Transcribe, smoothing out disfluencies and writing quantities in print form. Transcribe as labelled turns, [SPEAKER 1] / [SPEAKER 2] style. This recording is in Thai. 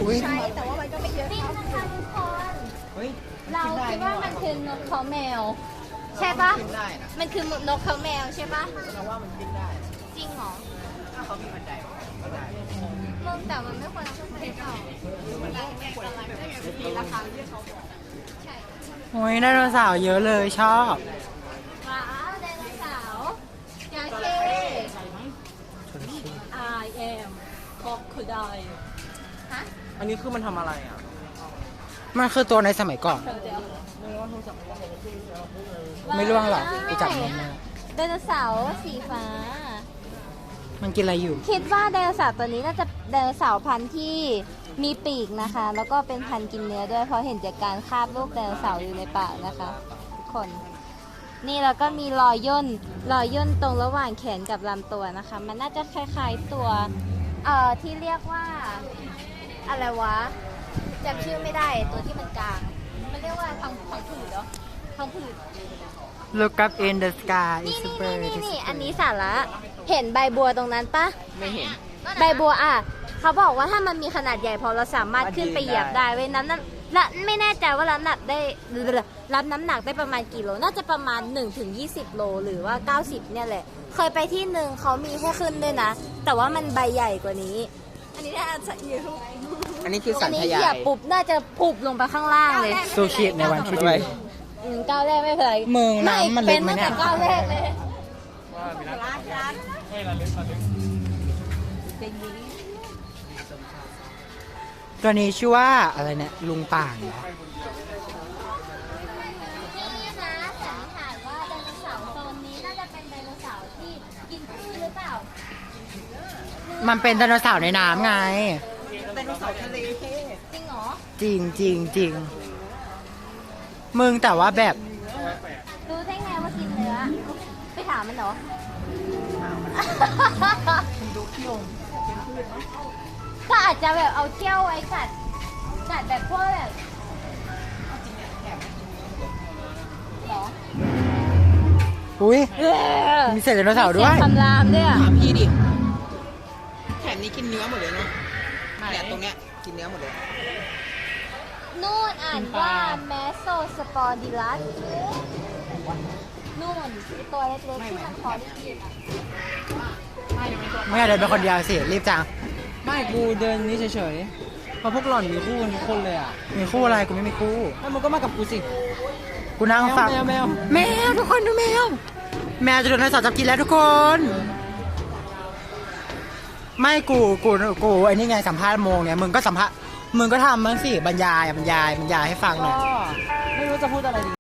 [SPEAKER 1] ใช้แต่ว่ามันก็ไม่เยอะ
[SPEAKER 2] นี่นะคะทุกคน
[SPEAKER 3] เฮ้ย
[SPEAKER 2] เราคิดว่ามันคือนกเขาแมว ใช่ปะ
[SPEAKER 3] ขึ้นได้นะ
[SPEAKER 2] มันคือนกเขาแมวใช่ปะ
[SPEAKER 3] เราว่ามันขึ้นได้
[SPEAKER 2] จริงเหรอ
[SPEAKER 3] ถ้าเขามีบันไดก็ได้
[SPEAKER 2] มึงแต่มันไม่ควรเอาขึ้นไปเปล่า
[SPEAKER 1] มีราคาที่เขาบอก
[SPEAKER 2] ใช่
[SPEAKER 4] โอ้ยไดโนเสาร์เยอะเลยชอบ
[SPEAKER 2] ว้าวไดโนเสาร์จระเข้ I am crocodile ฮะ
[SPEAKER 3] อันนี้คือมันทำอะไรอ่ะ
[SPEAKER 4] มันคือตัวในสมัยก่อน
[SPEAKER 2] เดี๋ยว
[SPEAKER 4] ไม่ร่วงหรอกไปจับมันมา
[SPEAKER 2] ไดโนเสาร์สีฟ้า
[SPEAKER 4] มันกินอะไรอยู่
[SPEAKER 2] คิดว่าไดโนเสาร์ตัวนี้น่าจะไดโนเสาร์พันธุ์ที่มีปีกนะคะ แล้วก็เป็นพันธุ์กินเนื้อด้วยเพราะเห็นจากการคาบลูกไดโนเสาร์อยู่ในปากนะคะทุกคน นี่แล้วก็มีรอยย่นตรงระหว่างแขนกับลำตัวนะคะ มันน่าจะคล้ายๆตัวที่เรียกว่าอะไรวะจำชื่อไม่ได้ตัวที่มันกลาง มันเรียกว่าพังผืดเหรอพังผืด
[SPEAKER 4] Look up in the sky
[SPEAKER 2] นี่
[SPEAKER 4] is
[SPEAKER 2] นี่
[SPEAKER 4] a bird
[SPEAKER 2] นี่นี่อันนี้สาระเห็นใบบัวตรงนั้นปะ
[SPEAKER 3] ไม่เห็น
[SPEAKER 2] ใบบัวอ่ะเขาบอกว่าถ้ามันมีขนาดใหญ่พอเราสามารถขึ้นไปเหยียบได้เว้ยนั้นและไม่แน่ใจว่ารับน้ำหนักได้ประมาณกี่โลน่าจะประมาณ1-20 โลหรือว่า 90เนี่ยแหละเคยไปที่หนึ่งเขามีแค่ขึ้นด้วยนะ แต่ว่ามันใบใหญ่กว่านี้
[SPEAKER 1] อันนี้น่าจะเยอะ
[SPEAKER 3] อันนี้คือสั
[SPEAKER 2] อั
[SPEAKER 3] น
[SPEAKER 2] นนี้
[SPEAKER 3] ท
[SPEAKER 2] เห
[SPEAKER 3] ยา
[SPEAKER 2] ยีย
[SPEAKER 3] ย
[SPEAKER 2] บปุ๊บน่าจะปุบลงไปข้างล่างเลย
[SPEAKER 4] ซูชิในวันที่ดี
[SPEAKER 2] ก้าวแรกไม่เป็นไร
[SPEAKER 4] มึงน้ำมันลึกไหมเนี่ย
[SPEAKER 2] เป็นตั้งแต่ก้าวแรกเลย
[SPEAKER 1] ร้านร้าน
[SPEAKER 4] ตัวนี้ชื่อว่าอะไรเนี่ยลุงป่างเหรอ
[SPEAKER 2] นี่นะสันนิษฐานว่าไดโนเสาร์โซนนี้น่าจะเป็นไดโนเสาร์ที่กินพืชหรือเปล่า
[SPEAKER 4] มันเป็นไดโนเสาร์ในน้ำไง
[SPEAKER 1] ไดโนเสาร์ทะเล
[SPEAKER 2] จริงเหรอ
[SPEAKER 4] จริงจริงจริงมึงแต่ว่าแบบ
[SPEAKER 2] รู้ได้ไงว่ากินเนื้อ ไปถามมันเหรอ ก็อาจจะแบบเอาเขี้ยวไว้กัดแบบพวกแบบเหรอ
[SPEAKER 4] อุ้ยมีเศษไดโนเสาร์ด้วย
[SPEAKER 2] เสียงคำรามด้วยอ่ะ
[SPEAKER 3] ถามพี่ดิ แถมนี้กินเนื้อหมดเลยเนาะเนี่ยตรงเนี้ยกินเนื้อหมดเลย
[SPEAKER 2] นู่นอ่านว่าแมสโซสปอดิลัสนู่นตัวเล็กๆที่มันพอได้กินอ่ะ
[SPEAKER 4] ไม่อยากเดินไปคนเดียวสิ รีบจัง
[SPEAKER 3] ไม่กูเดินนี้เฉยๆเพราะพวกหล่อนมีคู่กันทุกคนเลยอ่ะ
[SPEAKER 4] มีคู่อะไรกูไม่มีคู่
[SPEAKER 3] แล้วมึงก็มากับกูสิ
[SPEAKER 4] กูนั่งฟัง
[SPEAKER 3] แมว
[SPEAKER 4] แมวทุกคนดูแมว แมวจะโดนไดโนเสาร์จับกินแล้วทุกคน ไม่กูไอ้นี่ไงสัมภาษณ์โมงเนี่ยมึงก็สัมภาษณ์มึงก็ทำมั้งสิบรรยายให้ฟังหน่อย
[SPEAKER 3] ก็ไม่รู้จะพูดอะไรดี